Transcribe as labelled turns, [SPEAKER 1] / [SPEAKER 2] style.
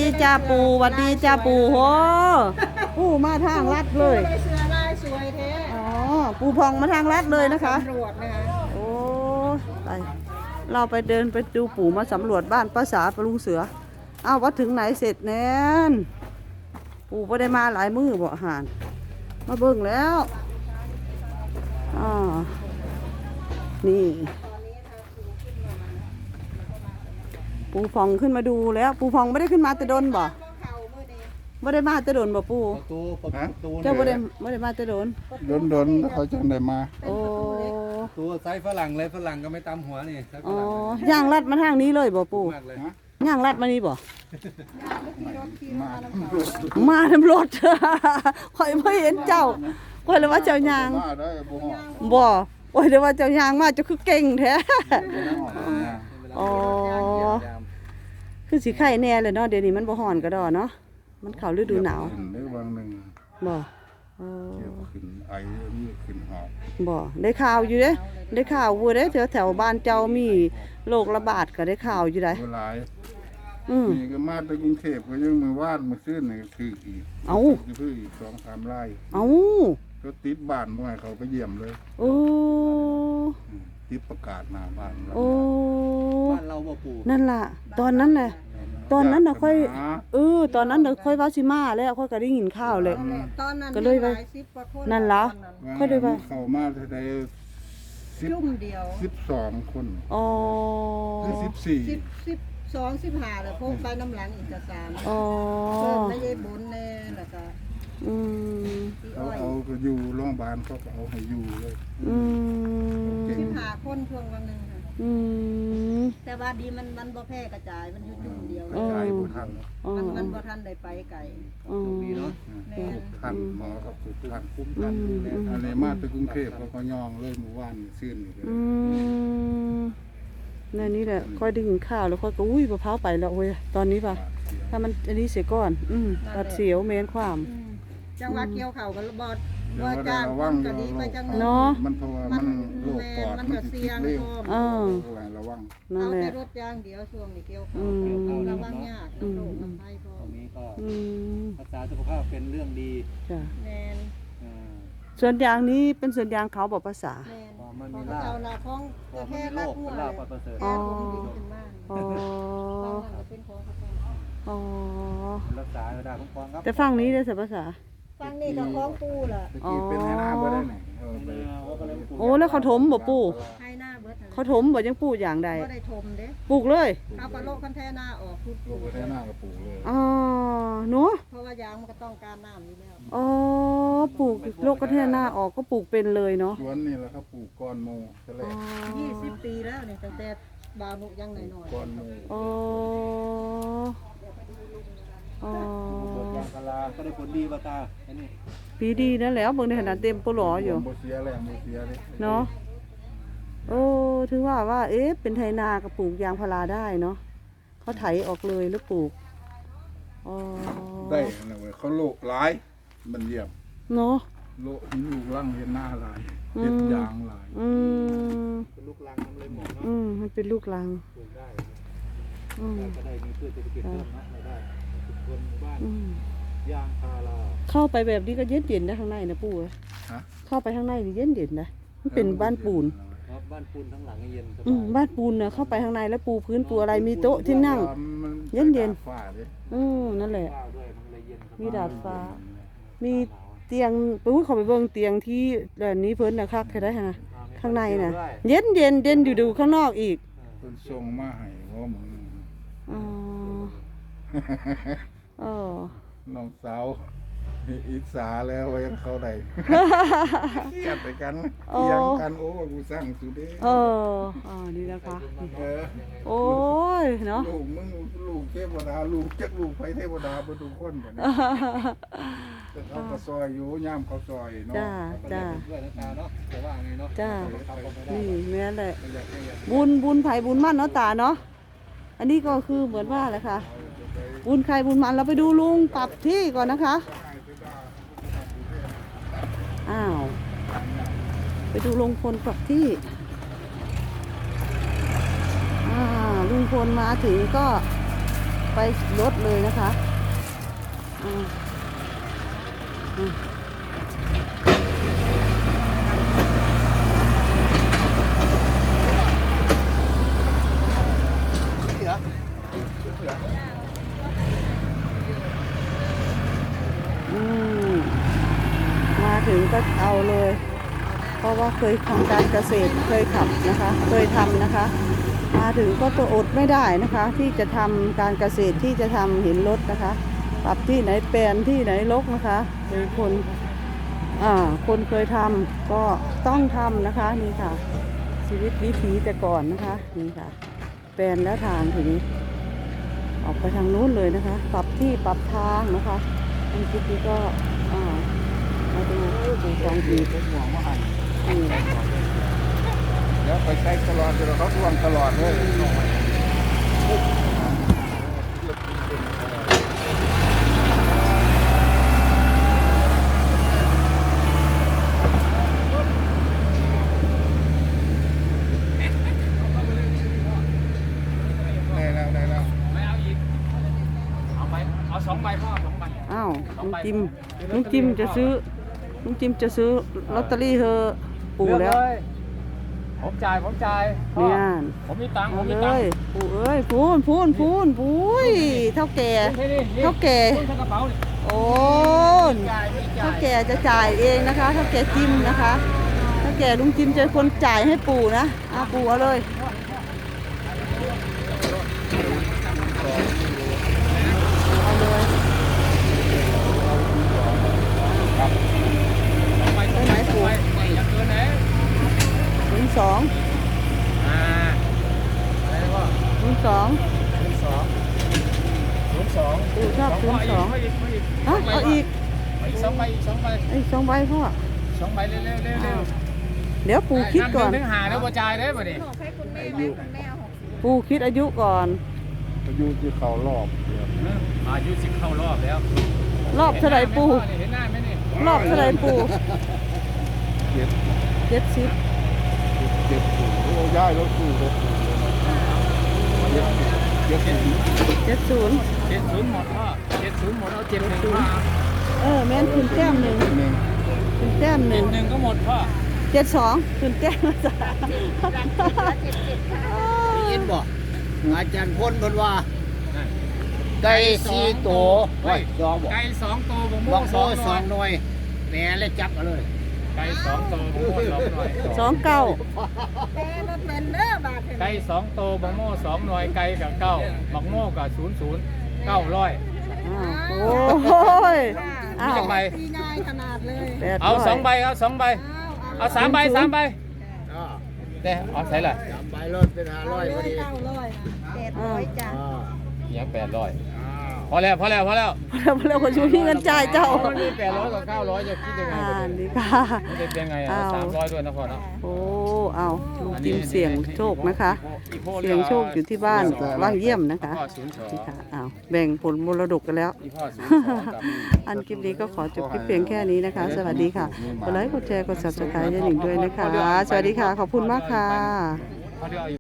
[SPEAKER 1] จ้าปู่หวัดดีจ้าปู่โหปู่มาทางลัดเลย
[SPEAKER 2] เสื้อลายสวยแท้
[SPEAKER 1] อ๋อปู่พองมาทางลัดเลยนะคะ
[SPEAKER 2] ตำรวจนะคะ
[SPEAKER 1] โอ้ไปเราไปเดินไปดูปู่มาสำรวจบ้านป้าสาปลุงเสืออ้าวว่าถึงไหนเสร็จแน่นปู่ไม่ได้มาหลายมื้อบ่อาหารมาเบิ่งแล้วอ๋อนี่ปู่พองขึ้นมาดูแล้วปู่พองไม่ได้ขึ้นมาแต่ดนบ่ไม่ได้มาแต่ดนบ่ปู่เจ้าไม่ได้มาแต่ดน
[SPEAKER 3] โดนเขาจังได้มา
[SPEAKER 1] โอ้
[SPEAKER 4] ตัวไซส์ฝรั่งเลยฝรั่งก็ไม่ตำหัวนี่
[SPEAKER 1] อ๋อย่างลัดมาทางนี้เลยบ่ปู่ย่างลัดมานี่บ่มาทำรถข่อยไม่เห็นเจ้าข่อยเลยว่าเจ้ายางบ่โอ้ยเดี๋ยวว่าเจ้ายางมาจะคือเก่งแท้อ๋อคือสิไข่แน่เลยเนาะเดี๋ยวนี้มันบ่ฮ้อนก็ดอเนาะมันเข้าฤดูหนาวบ่
[SPEAKER 3] ขึ้นไอมีขึ้นหอบ
[SPEAKER 1] บ่ได้ข่าวอยู่เด้ได้ข่าวอยู่เด้แถวบ้านเจ้ามีโรคระบาดก็ได้ข่าวอยู่ได้
[SPEAKER 3] หลายนี่ก็มาจากกรุงเทพก็ยังมือวาดมือซื้อนี่คืออีกคืออีก2-3 ไร่ก็ติดบ้านบ่ให้เขาไปเยี่ยมเลย
[SPEAKER 1] โอ้
[SPEAKER 3] ติดประกาศหน้าบ้าน
[SPEAKER 4] บ้านเราบ่ปู่
[SPEAKER 1] นั่นล่ะตอนนั้นแหละตอนนั้นน่ะค่อยตอนนั้นน่ะค่อยว่าสิมาแล้วค่อยก็ได้ยินข่าวเลยก็เลยว่านั่นล่ะค่อยได้ว่า
[SPEAKER 3] เข้ามาได้
[SPEAKER 2] ชุ่มเดียว
[SPEAKER 3] 12 คน
[SPEAKER 1] อ๋อ
[SPEAKER 3] คือ
[SPEAKER 2] 12-15แล้วพวกไปน้ำหลังอีกจะ3
[SPEAKER 1] อ๋อ
[SPEAKER 2] ไม่ได้บุญแน่แล้วก็
[SPEAKER 3] เอาก็อยู่โรงพยาบาลเขาก็เอาให้อยู่เลย
[SPEAKER 2] 15 คนช่วงวันนึงแต่ว่าดีมันบ่แพร่กระจายมันอยู่จุดเดียว
[SPEAKER 3] กระจายบ่ทัน
[SPEAKER 2] มันบ่ทันได้ไปไกล
[SPEAKER 4] มีเนาะ
[SPEAKER 3] ทันหมอครับทันคุ้มกันอันนี้มาจากกรุงเทพเขาก็ย่องเลยเมื่อวานซื่นนี่เลย
[SPEAKER 1] นี่แหละค่อยได้ยินข่าวแล้วค่อยก็อุ้ยมะพร้าวไปแล้วเว้ยตอนนี้ป่ะถ้ามันอันนี้เสียก่อนตัดเสียวเมนความ
[SPEAKER 2] จังหวะเกี่ยวเข่าก็บอดว่าจ้างก็ดีไปจัง
[SPEAKER 1] เนาะ
[SPEAKER 3] มันเพราะว่ามันโรคปอดมันเสี่ยงระวัง
[SPEAKER 2] เอาแต่รถยางเดียวช่วงนี้เกี่ยวเข่าระวังยากโรคมันไปก็
[SPEAKER 4] ตรงนี้ก็รักษาสุขภาพเป็นเรื่องดี
[SPEAKER 2] แม่น
[SPEAKER 1] ส่วนยางนี้เป็นส่วนยางเขาบอกภาษา
[SPEAKER 2] มันมีลาบของแค่ลาบหัว
[SPEAKER 4] ลาบประเสริฐ
[SPEAKER 1] อ๋อ
[SPEAKER 4] รักษาได้คุ้มครองครับ
[SPEAKER 1] แต่ฟังนี้ได้ภาษา
[SPEAKER 2] ฟังนี่ก็คล้องปูล่ะ
[SPEAKER 3] เป็นให้หน้าบ่ได้ไหน
[SPEAKER 1] โอ้แล้วเขาถมบ่ปู่
[SPEAKER 2] ให้หน้าเบิด
[SPEAKER 1] เขาถมบ่ยังปลูกอย่างใด
[SPEAKER 2] บ่ได้ถมเด้
[SPEAKER 1] ปลูกเลย
[SPEAKER 2] เอากระโลกคันแท้หน้าออกปลูก
[SPEAKER 3] แท้หน้าก็ปลูกเลย
[SPEAKER 1] อ๋อเนาะ
[SPEAKER 2] เพราะว่ายางมันก็ต้องการน้ำอยู่แล้ว
[SPEAKER 1] อ๋อปลูกโลกกระแท้หน้าออกก็ปลูกเป็นเลยเนาะ
[SPEAKER 3] สวนนี่แหละครับปลูกก้อนโมซะแล้ว
[SPEAKER 2] 20 ปีแล้วนี่ตั้งแต่บาวนุยังน้อย
[SPEAKER 3] ๆก้อนโม
[SPEAKER 1] อ๋ออ๋อย
[SPEAKER 4] างพาราก็ได้ผลดีป่ะตาอันนี้
[SPEAKER 1] ปีดีนั่นแล้วเบิ่งในขนาดเต็มปลออยู่
[SPEAKER 3] บ่เสียแล้วบ่เสียเลย
[SPEAKER 1] เนาะโอ้ถึงว่าเป็นไถนากับปลูกยางพาราได้เนาะเขาไถออกเลยแล้วปลูกอ๋อ
[SPEAKER 3] ได้นะเว้ยเขาโลกหลายมันเยี่ยม
[SPEAKER 1] เนาะ
[SPEAKER 3] โลกลูกลังเห็นหน้าหลายเห็ดยางหลาย
[SPEAKER 4] เป็นลูกลังมันเลยหมดเนาะ
[SPEAKER 1] มันเป็นลูกลัง
[SPEAKER 4] ปลูกได้ก็ได้มีพืชเศรษฐกิจเพิ่มนะได้ทุกคนบ้านยางพารา
[SPEAKER 1] เข้าไปแบบนี้ก็เย็นนะข้างในนะปู่เข้าไปข้างในนี่เย็นนะมันเป็นบ้านปูน
[SPEAKER 4] บ้านปูนทั้งหลังเย็น
[SPEAKER 1] บ้านปูนนะเข้าไปข้างในแล้วปูพื้นปูอะไรมีโต๊ะที่นั่งเย็นนั่นแหละมีดาดฟ้ามีเตียงปุ๊บเขาไปเบิ่งเตียงที่แบบนี้เพิ่นนะครับใครได้ฮะข้างในนะเย็นอยู่ดูข้างนอกอีก
[SPEAKER 3] เพิ่นส่งมาให้ว่ามึงน้องสาวอิจฉาแล้วว่ายังเขาได้เทียบไปกันเทียงกันโอ้กูสร้างสุดเด้
[SPEAKER 1] นี่นะคะโอ้ยเนาะ
[SPEAKER 3] ลูกมึงลูกเทวดาลูกจักลูกไฟเทวดาบ่ทุกคนกันแต่เขาก็ซอยอยู่ย่ามเขาซอยเนาะ
[SPEAKER 1] จ้า
[SPEAKER 4] ด้วยนะตาเนาะแต่ว่าไงเนาะ
[SPEAKER 1] จ้านี่แม่แหละบุญไผ่บุญมั่นเนาะตาเนาะอันนี้ก็คือเหมือนว่าแหละค่ะบุญใครบุญมันเราไปดูลุงปรับที่ก่อนนะคะไปดูลุงพลปรับที่ลุงพลมาถึงก็ไปไปรถเลยนะคะอืมอืมมาถึงก็เอาเลย เพราะว่าเคยทำการเกษตรเคยขับนะคะ เคยทำนะคะ มาถึงก็ตัวอดไม่ได้นะคะ ที่จะทำการเกษตรที่จะทำเห็นรถนะคะปรับที่ไหนแปลนที่ไหนรกนะคะเป็นคนเคยทำก็ต้องทำนะคะนี่ค่ะ ชีวิตวิถีแต่ก่อนนะคะนี่ค่ะแปลนแล้วทางถึงออกไปทางนู้นเลยนะคะ ปรับที่ปรับทางนะคะอันคลิปนี้ก็มาดูกองที
[SPEAKER 3] เป็นห่วงว่าหันเดี๋ยวไปใช้ตลอดเดี๋ยวเขาทวงตลอดเลยได้แล้ว
[SPEAKER 4] ไม่เอาอีกเอาไปเอา2 ใบพ่อ2 ใบ
[SPEAKER 1] อ้าวลุงจิมจะซื้อลอตเตอรี่เธอปู่แล้ว
[SPEAKER 4] ผมจ่ายพ่อ
[SPEAKER 1] เนี่ย
[SPEAKER 4] ผมมีตังค์
[SPEAKER 1] เอาเลยปู่เอ้ยพูนปุ้ยเท่าแก่
[SPEAKER 4] นี่
[SPEAKER 1] เท่าแก่
[SPEAKER 4] คุณกระเป๋านี่
[SPEAKER 1] โอ้เท่าแก่จะจ่ายเองนะคะเท่าแก่จิมนะคะเท่าแก่ลุงจิมจะเป็นคนจ่ายให้ปู่นะปู่เอาเลยเอาเลย
[SPEAKER 4] ไปไหนปู่อย่าเกินไหน
[SPEAKER 1] 02
[SPEAKER 4] อะไรนะพ่อ 02
[SPEAKER 1] ปู่ชอบ02
[SPEAKER 4] ไม่อีก
[SPEAKER 1] ฮะเอาอีก
[SPEAKER 4] อีก2 ใบ
[SPEAKER 1] ไอ้2 ใบพ่อ
[SPEAKER 4] 2 ใบเร็ว
[SPEAKER 1] เดี๋ยวปู่คิดก่อน
[SPEAKER 4] ถึงหาแล้วบ่จ่ายได้บ่ดิ
[SPEAKER 1] ปู่คิดอายุก่อน
[SPEAKER 3] อายุที่เขารอบ
[SPEAKER 4] อายุ10เข้ารอบแล้ว
[SPEAKER 1] รอบเท่าไหร่ปู่
[SPEAKER 4] เห็นหน้าไหมนี่
[SPEAKER 1] รอบเท่าไหร่ปู่
[SPEAKER 3] เจ็ด
[SPEAKER 1] 70
[SPEAKER 3] เจ็ดสูงโอ้ย้ายรถสูงเลยเจ็ดสูง
[SPEAKER 1] 70
[SPEAKER 4] 70หมดพ่อ70หมดเอา71มา
[SPEAKER 1] แม่นขึ้นแต้มหนึ่ง
[SPEAKER 3] หนึ่ง
[SPEAKER 1] ขึ้นแต้มหนึ่ง
[SPEAKER 4] 1ก็หมดพ่อ
[SPEAKER 1] 72ขึ้นแต้มละจ้ะ
[SPEAKER 5] ยินบอกอาจารย์พ้นเพิ่นว่าได้4ตัวไว้จองบอก
[SPEAKER 4] ไก่2ตัวบ่
[SPEAKER 5] บ
[SPEAKER 4] โม่
[SPEAKER 5] อกโซ่
[SPEAKER 4] 2
[SPEAKER 5] 2หน่วยแหน่เลยจับมาเลย
[SPEAKER 4] ไก่2ตัวบ่โม่2หน่วย
[SPEAKER 1] 29
[SPEAKER 2] แต่รถเป็นเด้อบาท
[SPEAKER 4] ไก่2ตัวบ่โม่2หน่วยไก่กับ9บักโม่กับ00 900
[SPEAKER 1] โอ้ย
[SPEAKER 4] มีจักใบ
[SPEAKER 2] ตีง่ายขนาดเลย
[SPEAKER 4] เอา2 ใบเอา2 ใบเอา3 ใบ3 ใบแต่เอาใส่ละ
[SPEAKER 5] จำใบรถเป็น500พอดี
[SPEAKER 2] 900จ้ะ
[SPEAKER 4] ยัง800พอแล้ว
[SPEAKER 1] พอแล้วคนชูพี่เงินจ่ายเจ้า
[SPEAKER 4] มันมี800กับ900จะคิดยังไงบ่
[SPEAKER 1] นี่ค่ะ
[SPEAKER 4] มันจะเป็นไงอ่ะ300ด้วยนะพ่อเนาะ
[SPEAKER 1] โอ้เอาลุงจิมเสี่ยงโชคนะคะ เสี่ยงโชคอยู่ที่บ้านว่างเยี่ยมนะคะ
[SPEAKER 4] พ่อ
[SPEAKER 1] นี่ค่ะเอาแบ่งผลมรดกกันแล้ว
[SPEAKER 4] 02อีพ่อ02กับ
[SPEAKER 1] อันคลิปนี้ก็ขอจบคลิปเพียงแค่นี้นะคะ สวัสดีค่ะ กดไลค์ กดแชร์ กด subscribe ให้หนิงด้วยนะคะ สวัสดีค่ะ ขอบคุณมากค่ะ
[SPEAKER 4] เขาเรียก